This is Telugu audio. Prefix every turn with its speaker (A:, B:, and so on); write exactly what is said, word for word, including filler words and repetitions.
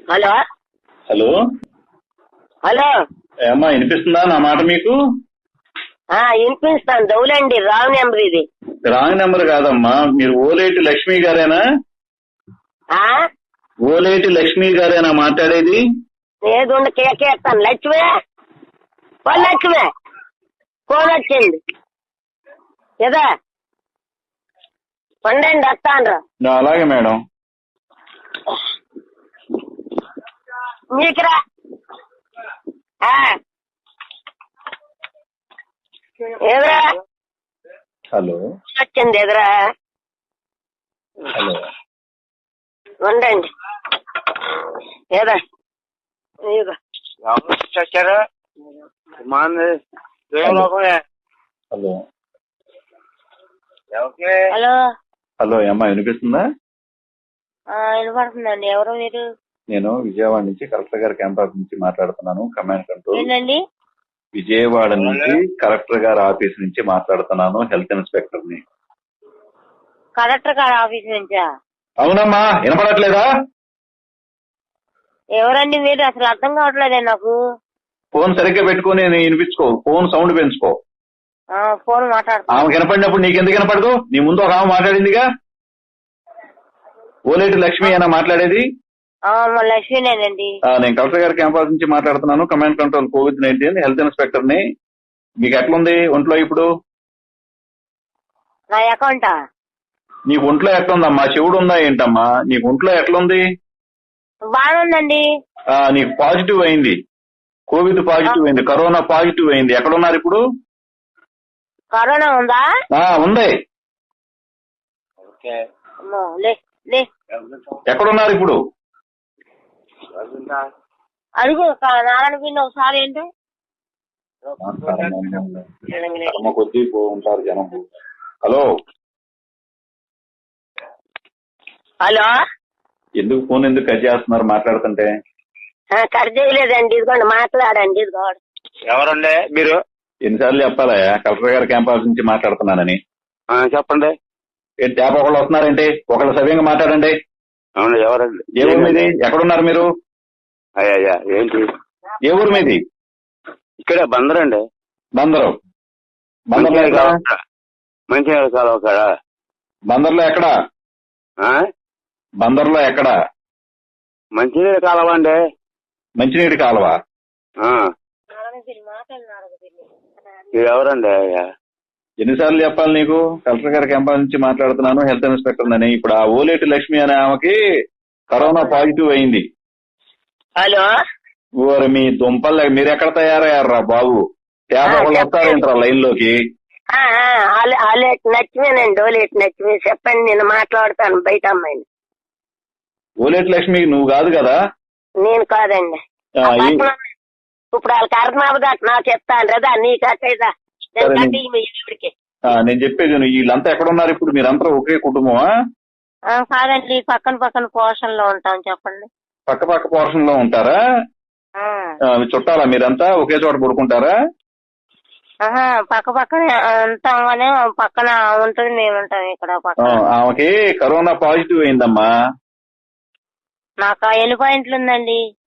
A: హలో
B: హలో
A: హలో
B: ఏమ్మా వినిపిస్తుందా నా మాట మీకు?
A: వినిపిస్తాను. దౌలండి, రాంగ్ నెంబర్ ఇది.
B: రాంగ్ నెంబర్ కాదమ్మా, మీరు ఓలేటి లక్ష్మి గారేనా? ఓలేటి లక్ష్మి గారేనా మాట్లాడేది?
A: ఏదో కేకేస్తాను. లక్ష్మే ఫోన్ లక్ష్మే ఫోన్ వచ్చింది కదా, పండండి వస్తాను.
B: అలాగే మేడం.
A: మీకురా ఎదురా
B: హలో
A: వచ్చింది ఎదురా.
B: హలో
A: ఉండండి ఏదా
C: వచ్చారు.
B: హలో
A: హలో
B: హలో ఏమ్మా వినిపిస్తుందా?
A: వినపడుతుందండి. ఎవరు మీరు?
B: నేను విజయవాడ నుంచి కలెక్టర్ గారి క్యాంపస్ నుంచి మాట్లాడుతున్నాను. Command control.
A: ఏంటండి?
B: విజయవాడ నుంచి కలెక్టర్ గారి ఆఫీస్ నుంచి మాట్లాడుతున్నాను. హెల్త్ ఇన్స్పెక్టర్ ని.
A: కలెక్టర్ గారి ఆఫీస్ నుంచా?
B: అవునమ్మా, వినపడట్లేదా?
A: ఎవరండి మీరు? అసలు అర్థం కావట్లేదే నాకు.
B: ఫోన్ సరిగ్గా పెట్టుకుని వినిపించుకో. ఫోన్ సౌండ్ పెంచుకో.
A: ఫోన్ మాట్లాడుతున్నా.
B: ఆమె వినపడినప్పుడు నీకెందుకు వినపడదు? నీ ముందు ఒక ఆమె మాట్లాడిందిగా. ఓలేటి లక్ష్మి అయినా మాట్లాడేది?
A: లక్ష్మీనేనండి.
B: నేను కలెక్టర్ గారి క్యాంపస్ నుంచి మాట్లాడుతున్నాను. Command control COVID nineteen health inspector ని. మీకు ఎట్లుంది ఒంట్లో ఇప్పుడు?
A: నా అకౌంటా?
B: నీకు ఒంట్లో ఎట్లుందమ్మా? చెవుడు ఉందా ఏంటమ్మా? నీకు ఒంట్లో ఎట్లుంది?
A: బాగుందండి.
B: నీకు పాజిటివ్ అయింది, కోవిడ్ పాజిటివ్ అయింది, కరోనా పాజిటివ్ అయింది. ఎక్కడున్నారు ఇప్పుడు?
A: కరోనా ఉందా?
B: ఉంది. ఎక్కడున్నారు ఇప్పుడు?
A: అడుగు నారాయణ పిండి ఒకసారి. ఏంటి
B: కొద్దీ ఉంటారు జనం. హలో
A: హలో
B: ఎందుకు ఫోన్ ఎందుకు కట్ చేస్తున్నారు మాట్లాడుతుంటే?
A: కట్ చేయలేదండి, ఇదిగోండి మాట్లాడండి. ఇదిగోండి.
C: ఎవరండి మీరు?
B: ఎన్నిసార్లు చెప్పాలా కలెక్టర్ గారి క్యాంపస్ నుంచి మాట్లాడుతున్నానని?
C: చెప్పండి.
B: ఏంటి తేప ఒకళ్ళు వస్తున్నారేంటి? ఒకళ్ళు సవ్యంగా మాట్లాడండి.
C: అవును, ఎవరండి?
B: ఏ ఊరు మీది? ఎక్కడున్నారు మీరు?
C: అయ్యా ఏంటి? ఏ
B: ఊరు మీది?
C: ఇక్కడ బందరండి.
B: బందరు. బందర్లో ఎక్కడ?
C: మంచినీళ్ళ కాలువ కాడ.
B: బందర్లో ఎక్కడ? బందర్లో ఎక్కడ?
C: మంచినీళ్ళ కాలువ అండి.
B: మంచినీటి కాలువ.
C: మీరు ఎవరండి? అయ్యా
B: ఎన్నిసార్లు చెప్పాలి నీకు? కలెక్టర్ గారి క్యాంపస్ నుంచి మాట్లాడుతున్నాను, హెల్త్ ఇన్స్పెక్టర్ అని. ఇప్పుడు ఆ ఓలేటి లక్ష్మి అనే ఆమెకి కరోనా పాజిటివ్ అయింది.
A: హలో
B: ఓరి మీ దుంపల్, మీరు ఎక్కడ తయారయ్యారా బాబు? తేప ఒకళ్ళు వస్తారేంట్రా లైన్ లోకి?
A: నచ్చిమేనండి. ఓలేటి లక్ష్మి చెప్పండి, నేను మాట్లాడతాను బయట అమ్మాయిని.
B: ఓలేటి లక్ష్మి నువ్వు కాదు కదా?
A: నేను కాదండి. ఇప్పుడు వాళ్ళకి అర్థం అవ్వదు. నాకు చెప్తాను రదా, నీకు అట్టేదా?
B: నేను చెప్పేది వీళ్ళంతా ఎక్కడున్నారు ఇప్పుడు? మీరంతా ఒకే కుటుంబమా?
A: కాదండి, పక్కన పక్కన పోర్షన్ లో ఉంటాం. చెప్పండి.
B: పక్క పక్క పోర్షన్ లో ఉంటారా? చుట్టాలా మీరంతా? ఒకే చోట పడుకుంటారా?
A: పక్క పక్కన ఉంటాం కానీ పక్కన ఉంటుంది, మేము ఉంటాం ఇక్కడ పక్కన.
B: ఆమెకి కరోనా పాజిటివ్ అయిందమ్మా.
A: నాకు ఎన్ని పాయింట్లు ఉందండి?